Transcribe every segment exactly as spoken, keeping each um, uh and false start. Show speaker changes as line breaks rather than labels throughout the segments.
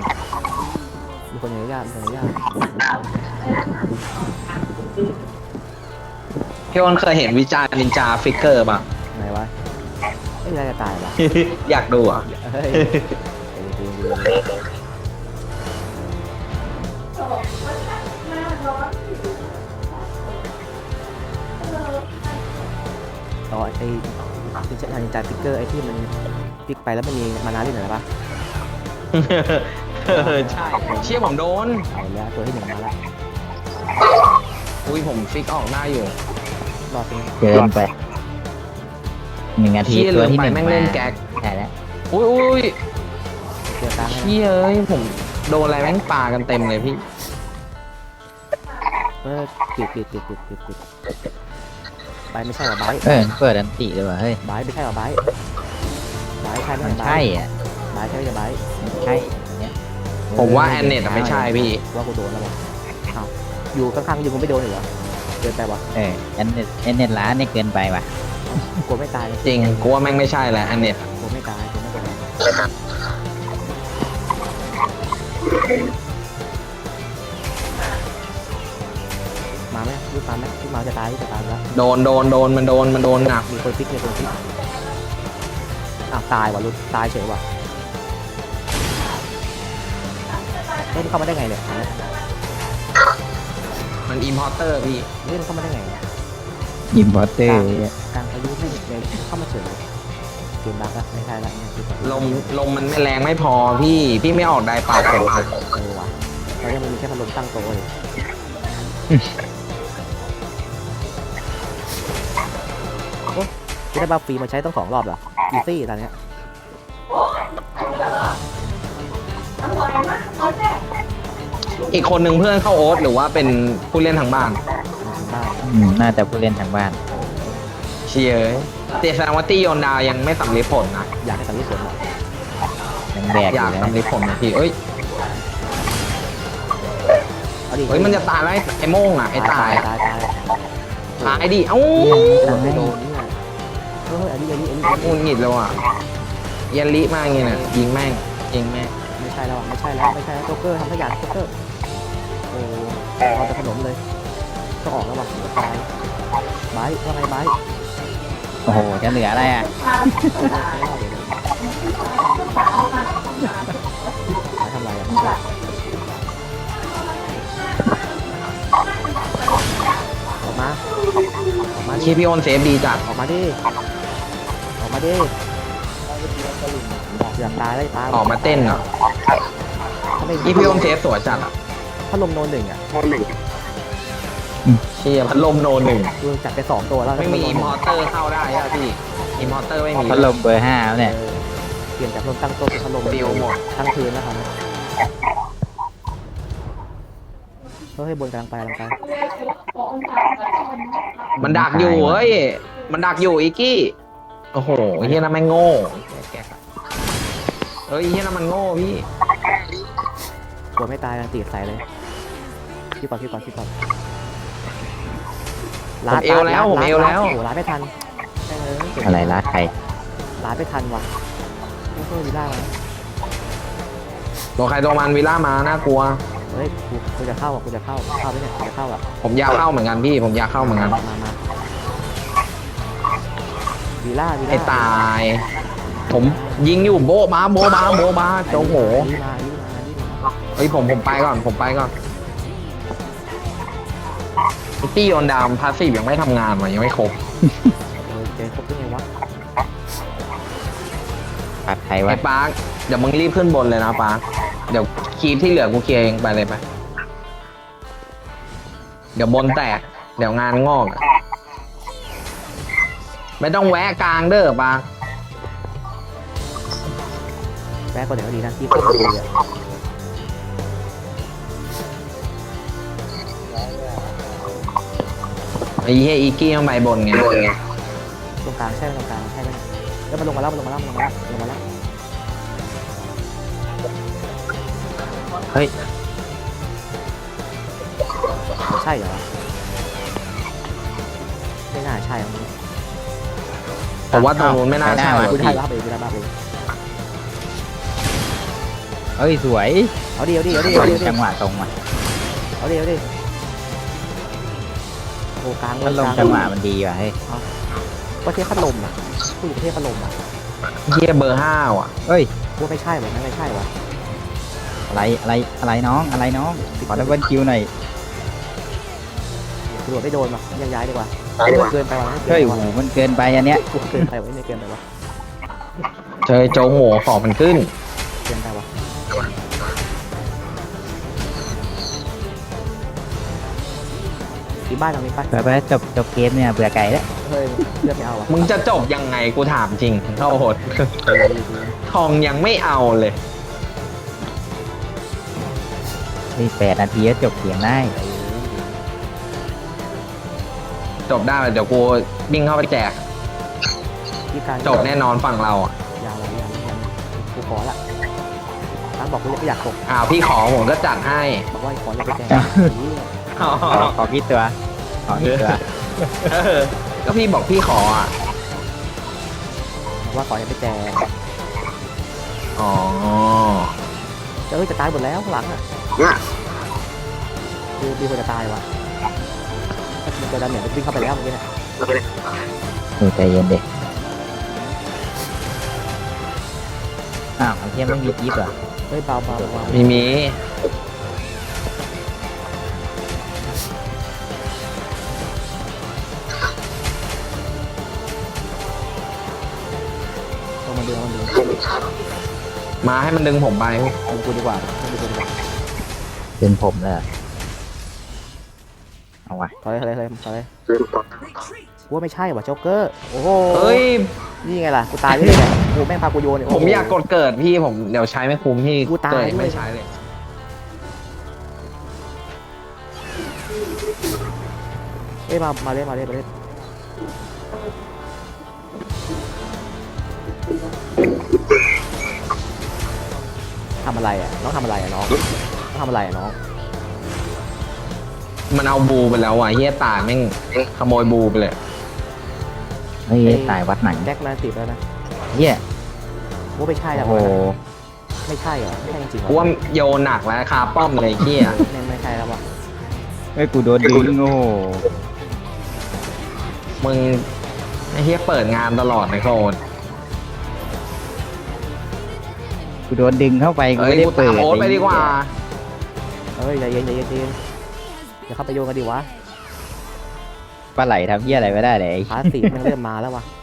มีคนอย่างยากมีคนอย่างยาก
พี่อ้นเคยเห็นวิจารณ์นินจาฟิกเกอร์ป่ะ
ไหนวะไม่ได้จะตายวะ
อยากดูอ่ะ
เฮ้ยจริงจริงต่อไอ้ที่จะทางจ่ายฟิกเกอร์ไอ้ที่มันฟิกไปแล้วมันมีมานาเล่นหน่อยปะ
เออใช่เชี่ยผมโดน
เอาแล้วตัวที่หนึ่งมาแล้ว
อุ้ยผมฟิกออกได้อยู่
รอดใช่ไหม
เกินไปหนึ่งนาที
เชี่ย
ตัว
ลืม
ที่
ไป
หนึ่ง
แม่งเล่นแก๊ก
ใช่แล้ว
อุ้ยอุ้ย
เกียร์กลางให้
เชี่ยเอ้ยผมโดนอะไรแม่งปากันเต็มเลยพี่
เออปิดปิดปิดปิดปิดปิดไบไม่ใช่หรอไบ
เออเปิดอันติเลยว่ะเฮ้ย
ไบไม่ใช่หรอไบไบใช่ไหม
มัน
ไบ
ใช่อ่ะ
ไบใช่ไหมจะไบ
ใช่เนี่ย
ผมว่าแอนเน็ตไม่ใช่พี่
ว่ากูโดนแล้วบอกอ้าวอยู่ข้างๆอยู่กูไม่โดนเหรอเกินไปวะ
เออแอนเน็ตแอนเน็ตร้านนี่เกินไปว่ะ
กลัวไม่ตาย
จริงกูว่าแม่งไม่ใช่แหละแอนเน็ต
กลัวไม่ตายกลัวไม่ตายมาไหมลูกตามไหมลูกมาจะตายจะตายแล้ว
โดนโดนโดนมันโดนมันโดนหนัก
มีคนฟิกมีคนฟิกอ้าวตายว่ะลูกตายเฉยว่ะเล่นเข้ามาได้ไงเนี่ย
มันอิมพอร์เตอร์พี่
เล่นเข้ามาได้ไงเนี่ย
อิมพอร์เตอร์
กลางพายุไม่เลยเข้ามาเฉยเกมบั๊กแล้วไม่ใช่ละเนี่ยคือ
ลมลมมันไม่แรงไม่พอพี่พี่ไม่ออกได้เปล่าผม
เออว่ะแล้วยังมีแค่พัดลมตั้งโต๊ะเลยโอ้ไม่ได้บัฟฟรีมาใช้ต้องของรอบเหรออีซี่ตอนเนี้ย
อีกคนหนึ่งเพื่อนเข้าโอ๊ตหรือว่าเป็นผู้เล่นทางบ้าน
บ้า
อืมน่าจะผู้เล่นทางบ้าน
เชียร์เจแสดงว่าตี้โยนดาวยังไม่สำเร็จผลนะ
อยากให้ตัดลูกสวนหรอ
ยังแบกอ
อยาก
ยู่แล้ว
สำเร็จผลนะพี่เอ้ย
เอาดิ
เฮ้ยมันจะตายแล้วไอ้ไอ้โม่งอ่ะไอ้ตาย
ตายตาย
ตายดิเอ้า
ไม่โดนนี่ไงเฮ้ยอันนี้อันนี้อันนี้
งุนหงิดเลยว่ะยันลิมากเงี้ยน่ะยิงแม่งยิงแม่ง
ไม่ใช่แล้วไม่ใช่แล้วไม่ใช่แล้วโจ๊กเกอร์ทำทุกอย่างโจ๊กเกอร์โอ้เอาแต่ขนมเลยต้องออกแล้วว่ะตายไบร์ทว่าไงไบร์ท
โอ้โหจะเหลืออะไรอ่ะ
ไม่ทำไรอ่ะออกมาออกมาดิ
เชียร์พี่โอนเซฟดีจัด
ออกมาดิออกมาดิอยากตายได้ตาย
ออกมาเต้นเหรอ
ถ้าไม่
นี่พี่โอนเซฟสวยจัดอ่ะ
ถ้าลมโนนหนึ่งอ่ะ
เชียร์พัดลมโนหนึ่ง
ดูจัดไปสองตัวแล้ว
ไม่มีอิมพอร์เตอร์เข้าได้อะพี่อิมพอร์เตอร์ไม่มี
พัดลมเบอร์ห้าแล้วเนี่ย
เปลี่ยนจากลมตั้งโต๊ะเป็นพัดลม
ฟิวหมด
ตั้งคืนแล้วครับเฮ้ยบนกำลังไปกำลังไป
มันดักอยู่เฮ้ยมันดักอยู่อีกกี้โอ้โหไอ้เฮียนั่นแม่งโง่แกะเฮ้ยไอ้เฮียนั่นมันโง่พี่
กลัวไม่ตายกันตีใส่เลยคิดก่อนคิดก่อนคิดก่อน
ผมเอวแล้วผมเอวแล้ว
โอ้โหลาดไม่ทันใช่เลย
อะไรรักใคร
ลาดไม่ทันว่ะโอ้โหวีล่ามา
ตัวใครตัวมันวิลล่ามาน่ากลัว
เฮ้ยกูกูจะเข้าอ่ะกูจะเข้าเข้าไหมเนี่ยกูจะเข้าอ่ะ
ผมอยากเข้าเหมือนกันพี่ผมอยากเข้าเหมือนกัน
มามามาวีล่าวีล่า
ไอ้ตาย ผมยิงอยู่โบ๊ะบ้าโบ๊ะบ้าโบ๊ะบ้าโจ้โห
นี่มานี่มานี่มา
เฮ้ยผมผมไปก่อนผมไปก่อนไอ้ตี้โยนดาวพาสซีฟยังไม่ทำงานวะยังไม่ครบ
เออเจอครบได้ไงวะ
ปัดใครวะ
ไอ้ปาร์คเดี๋ยวมึงรีบขึ้นบนเลยนะปาร์คเดี๋ยวคีบที่เหลือกูเคลียร์เองไปเลยไปเดี๋ยวบนแตกเดี๋ยวงานงอกอะไม่ต้องแวะกลางเด้อปาร์ค
แม่ก็เดี๋ยวก็ดีนะที่เข้ามาดีอ่ะ
ไอ้เหี้ยอีกี้ต้องไปบนไง
ตรงกลางใช่ไหมตรงกลางใช่ไหมแล้วมันลงมาแล้วมันลงมาแล้วมันลงมาแล้วลงมาแล้ว
เฮ้ย
ใช่เหรอไม่น่าใช่อ่ะ
ผมว่าตรงนู้นไม่น่าใช่
กู
ว่ะ
ได้
พี่
รับไปกูได้รับไป
เเฮ้ยสวย
เอาดิเอาดิเอาดิเอาดิเอาดิ
จังหวะตรงว่ะ
เอาดิเอาดิโอ้กลางเล
พัด
ย
ลม
กลาง
จังหวะมันดีว่ะเฮ้ย
ก็เทพพัดลมอ่ะผู้หญิงเทพพัดลมอ่ะ
เฮียเบอร์ห้าว่ะ
เฮ้ย
กูไม่ใช่แบบนั้นไม่ใช่วะ
อะไรอะไรอะไรน้องอะไรน้องขอดับเบิลคิวหน่อย
ตำรวจไม่โดนว่ะยังย้ายดีกว่าเกินไปว่ะ
เฮ้ยโอ้โหมันเกินไปอันเนี้ย
กูเกินไปว่ะไม่เกินไปว่ะ
เจอโจโหของมันขึ้น
เกินไปว่ะที่บ้านเรามีปะ
ไปไปจบจบเกมเนี่ยเบื่อไก่แล้ว
เฮ้ยเลือกไม่เอาว่ะ
มึงจะจบยังไงกูถามจริงโทษทองยังไม่เอาเลย
นี่แปดนาทีก็จบเกมได้
จบได้เดี๋ยวกูวิ่งเข้าไปแจก
ที่การ
จบแน่นอนฝั่งเราอ่ะ
ยาวเลยยาวเลยยาวเลยกูขอละตั้งบอกกูไม่อยากตก
อ้าวพี่ขอผมก็จัดให้
บอกว่าขอแล้วไปแจ้ง
อ๋อ
ขอขอกี่ตัวขอกี่ตัว
เออก็พี่บอกพี่ขออ่ะ
บอกว่าขอยังไปแจ้ง
อ๋อ
เอ้ยจะตายหมดแล้วข้างหลังอ่ะคือมีคนจะตายวะมันจะดันเหนียววิ่งเข้าไปแล้วเมื่อกี้เนี่ย
เออใจเย็นเด็กอ้าวไอ้เทียไม่มีจิ๊บเหรอ
เฮ้ยเบาเบาเบา
มีมี
ต้องมาดูมันดู
มาให้มันดึงผมไป
ดูกูดีกว่าดูกูดีกว่า
เป็นผมเลยเหรอเอาวะ
ถอยเลยถอยเลยถอยเลยกูว่าไม่ใช่ว่ะโจ๊กเกอร์โอ้โห
เอ้ย
นี่ไงล่ะกูตายด้วยเนี่ยกูแม่งพากูโยนเนี่ย
ผมอยากกดเกิดพี่ผมเดี๋ยวใช้ไม่คุ้มพี่
กูตาย
เกิด
ด้วย
ไม่ใช้เลย
เอ้ยมามาเล่นมาเล่นมาเล่นทำอะไรอ่ะน้องทำอะไรอ่ะน้องน้องทำอะไรอ่ะน้อง
มันเอาบูไปแล้วว่ะเฮียตายแม่งขโมยบูไปเลย
เฮ้ยตายวัดไหน
แจ็คแมนติดแล้วนะ
เฮีย
กูว่าไม่ใช่แล้ว
โอ้โห
ไม่ใช่เหรอไม่ใช่จริงๆเหร
กู
อ
ว่าโยนหนักแล้วคาป้อมเลยเฮีย
ไม่ไม่ใช่แล้ววะ
เฮ้ยกูโดนดึงโอ้โห
มึงไอ้เฮียเปิดงานตลอดนะโคน
กูโดนดึงเข้าไปกู
เอ้ย
ไม่ได้
กู
เปิ
ตา
ด
มโอ๊ตไปดีกว่า
เฮ้ยใจเย็นใจเย็นใจเย็นอย่าเข้าไปโยงกันดิวะ
ปลาไหลทำเฮียอะไรไม่ได้เลย
พาสซีฟมันเริ่มมาแล้ววะ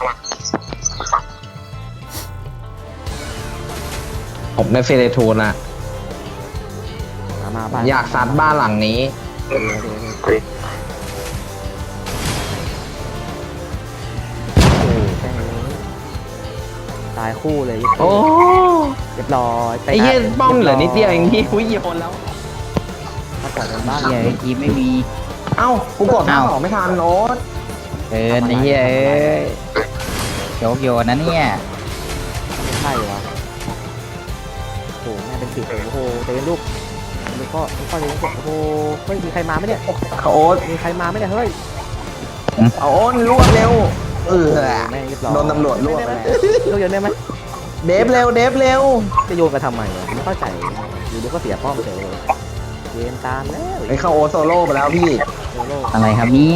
ผมได้เฟรทูนละ
มามาบ้าน
อยากซัดบ้านหลังนี้
เดี๋ยวเดี๋ยวเดี๋ยวโอ้แค่นี้ตายคู่เลย
โอ้
เรียบร้อยป
ไอ้เฮีย
ะ
ป้อมเหลือนิดเดียวเองพี่อุ้ยโยนแล้ว
มาก่อนเป็นบ้าน
เฮียทีมไม่มี
เอ้ากูกดท่า
เอ้า
สองไม่ทันโอ๊ต
เกินไอ้เฮียเอ้ยโยกโยนนะเนี่ย
ไม่ใช่เหรอโอ้โหแม่เป็นสิบโอ้โหเตะลูกมันก็มันก็เลยโอ้โหเฮ้ยมีใครมาไหมเนี่ย
เขาโอ๊ต
มีใครมาไหมเนี่ยเฮ้ย
เอาโอ๊ตรวบเร็วเออ
แม่งเรียบร้อย
โดนตำรวจรวบ
ได้
ไป
ไหม
แล้ว
ลูกโยนได้ไหม
เดฟเร็วเดฟเร็ว
จะโยนกันทำไมวะไม่เข้าใจอยู่ดีก็เสียป้อมเฉยเลยเกมตามแล้ว
ไอ้เข้าโอ๊ตโซโล่ไปแล้วพี่
โซโล่
อะไรครับเนี่ย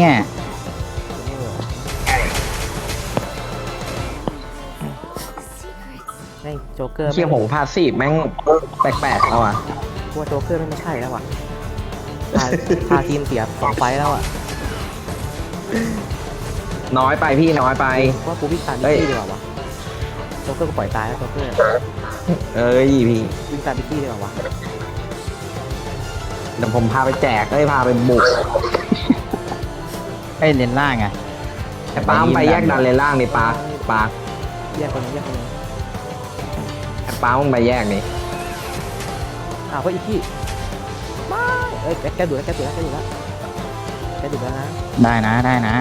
ไอ้โจ๊กเกอร์
เคียผมพาสซีฟแม่งแปลกๆแล้วอ่ะ
พวกโจ๊กเกอร์ไม่ใช่แล้วว่ะพาพาทีมเสียสองไฟล์แล้วอ่ะ
น้อยไปพี่น้อยไป
ว่ากูวิ่งตาม
เฮ้
บิ๊ก
ย
กี้ดีกว่าวะโจ๊กเกอร์ก็ปล่อยตายแล้วโจ๊กเกอร์
เอ้ยพี่
วิ่งตามบิ๊กกี้ดีกว่าวะ
เดี๋ยวผมพาไปแจกเอ้ยพาไปบุก
ไอ้ยเลนล่างอะ
ไอ้ปาล์มไปแยกดันเลนล่างดิปาปา
แยกคนนึงแยกคนนึง
ไอ้ปาล์มมึงไปแยกดิ
อ้าวเฮ้ยอีกกี้ไม่เอ้ยแกแกดูแล้วแกดูแล้วแกดูแล้วแกดูแล้วนะ
ได้นะได้นะ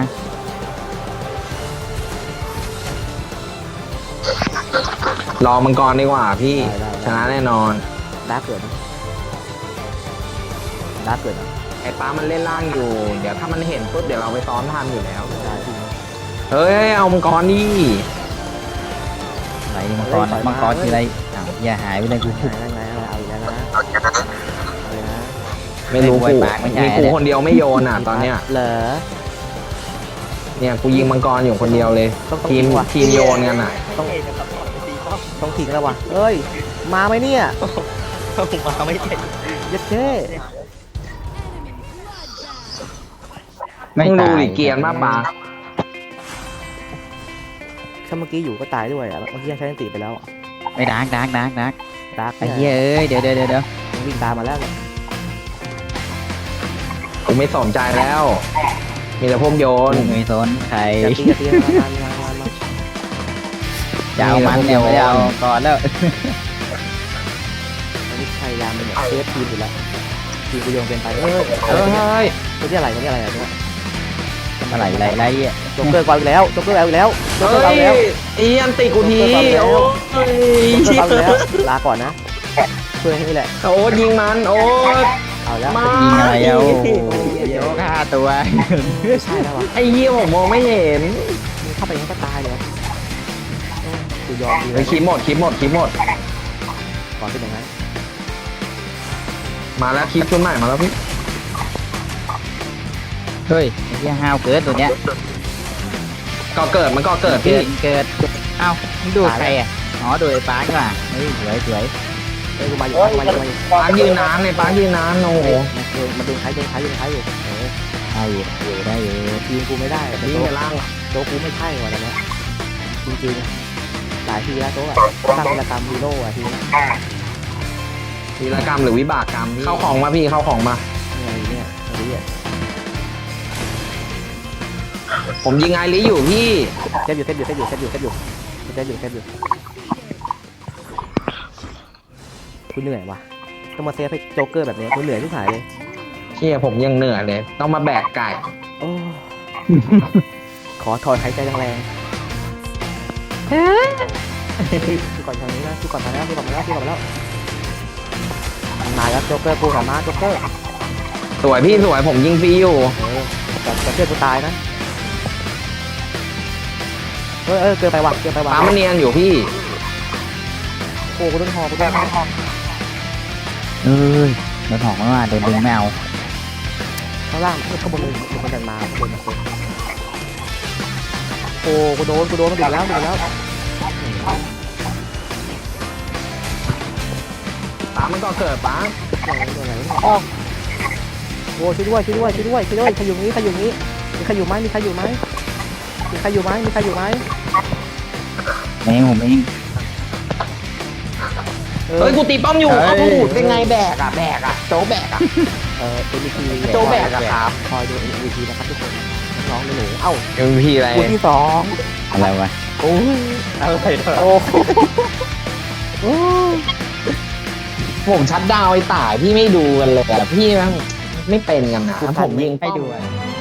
รอมังกรดีกว่าพี่ชนะแน่นอน
ดาร์กเกิดนะดาร์กเกิดนะ
ไอ้ปาล์มมันเล่นล่างอยู่ เดี๋ยวถ้ามันเห็นปุ๊บเดี๋ยวเราไปซ้อนทันอยู่แล้ว
ได้จริง
เฮ้ยเอามังกรดิ
ไหนมังกรมังกรคืออะไรอ้าวอย่าหายไปเลยกู
ไหนไหนอะไร
ไม่รู้
ไม่
กู
ปากไม่ใช่
มีกูคนเดียวไม่โยนอ่ะตอนเนี้ย
เหรอ
เนี่ยกูยิงมังกรอยู่คนเดียวเลย
ต้องต้อง
ทีม
ยิงว่ะ
ทีมโยนกันอ่ะ
ต้องต้องทิ้งแล้ววะเอ้ยมาไหมเนี่ย
ผมมาไม่เห็น
ยัดเช่
ไม่
มึงดู
ตาย
ดิเกรียนมากปะ
ถ้าเมื่อกี้อยู่ก็ตายด้วยอ่ะเมื่อกี้ยังใช้สติไปแล้ว
ไม่ดักดักดักดัก
ดาร์ก
ไอ้เหี้ยเอ้ยเดี๋ยวเดี๋ยวเดี๋ยวเดี๋ยว
มันวิ่งตามมาแล้วเนี่ย
กูไม่สนใจแล้ว มีแต่พวกโยน
ไม่สนใคร
จะตีจะตีมามามามา
จะเอามันเนี่ยไม่ได้เอาก่อนแล้ว
ตอนนี้พยายามเนี่ยเซฟทีมอยู่แล้วทีมกูโยงเกินไปเอ้ย
เฮ้ย
ตัวที่อะไรตัวที่อะไรอ่ะเนี่ย
อะไรอะไรอะไรอ่ะ
โจ๊กเกอร์กวาดอีกแล้วโจ๊กเกอร์เอาอีกแล้วโจ๊กเกอ
เฮ้
ร์เอาอีกแล้ว
ยอีอันติกูทีโอ้ย
โจ๊กเกอร์เอาอีกแล้วลาก่อนนะเพื่อนนี่แหละ
โอ้ยยิงมันโอ้ย
เอาแล้ว
มา
ยิงอะไรเอาโยกห้าตัว
ไม่ใช่แล้ววะ
ไอ้เหี้ยผมมองไม่เห็น
มึงเข้าไปยังก็ตายเลยเออกูยอมดี
เฮ้ยคลิปหมดคลิปหมดคลิปหมด
ก่อนเป็นอย่างนั้น
มาแล้วคลิปชุดใหม่มาแล้วพี่
เฮ้ยไอ้เหี้ยห้าวเกิดตัวเนี้ย
ก็เกิดมันก็เกิด
เกิ
พี่
ดเกิดเอ้ามึงดูใครอ่ะอ๋อดูไอ้ปาร์คว่ะเฮ้ยสวยสวย
เอ้ยกูมาอยู่มาอยู่มาอยู่
ปาร์คยืนนานเลยปาร์คยืนนานโอ้โห
เออมาดูท้ายดูท้ายดูท้ายอยู่เออ
ได้อยู่อยู่ได้อยู่
ทีมกูไม่ได้แต่
นี่
โจ๊ก
ล่าง
โจ๊กกูไม่ใช่ว่ะตอนเนี้ยจริงๆหลายทีแล้วโจ๊กอะสร้างวีรกรรมฮีโร่อะทีนี้
วีรกรรมหรือวิบากกรรมเข้าของมาพี่เข้าของมา
เนี่ยเนี่ยอะไรเนี่ย
ผมยิงไอริอยู่พี่
เซฟอยู่เซฟอยู่เซฟอยู่เซฟอยู่เซฟอยู่เซฟอยู่เซฟอยู่กูเหนื่อยว่ะต้องมาเซฟให้โจ๊กเกอร์แบบนี้กูเหนื่อยทุกสายเลย
เชี่ยผมยังเหนื่อยเลย ต้องมาแบกไก่
โอ้ ขอถอนหายใจแรงๆพี่ก่อนทางนี้นะพี่ก่อนมาแล้วพี่ก่อนมาแล้วพี่ก่อนมาแล้วมาแล้วโจ๊กเกอร์กูสามารถโจ๊กเกอร์
สวยพี่สวยผมยิงฟรีอยู่
เออแต่แต่เชื่อกูตายนะเออเออเกินไปว่ะเกินไปว่ะ
ป้ามันเนียนอยู่พี่
โอ้กูโดนหอกูโดนหอ
เอ้ยโดนหอกมาโดนดึงไม่เอา
ข้างล่างข้างบนเลยมีคนเดินมาข้างบนมาคนโอ้กูโดนกูโดนมาดึงแล้วดึงแล้ว
ป้ามันก็เกิดป้า
โอ้โดนอะไรเนี่ยอ้อโอ้ช่วยด้วยช่วยด้วยช่วยด้วยช่วยด้วยใครอยู่นี้ใครอยู่นี้มีใครอยู่ไหมมีใครอยู่ไหมมีใครอยู่ไหมมีใครอยู่ไหม
เองผมเอง
เออ
เฮ้ยกูตีป้อมอยู่
เฮ้ย
เอ้าเป็นไงแบกอะแบกอะโจ๊กแบกอะ
เออเอ็มวีพี
โจ๊กแบกอะครับ
คอยดูเอ็มวีพีนะครับทุกคนน้องหนูเอ้า
เอ็มพีอะไร
คู่ที่สอง
อะไรวะ
โอ้ย
อะไรเถอะ
โอ้โหโอ้ย
ผมชัดดาวน์ไอ้ต่ายพี่ไม่ดูกันเลยอะพี่แม่งไม่เป็นกันนะผมยิง
ให้
ป้อม
ดูอะ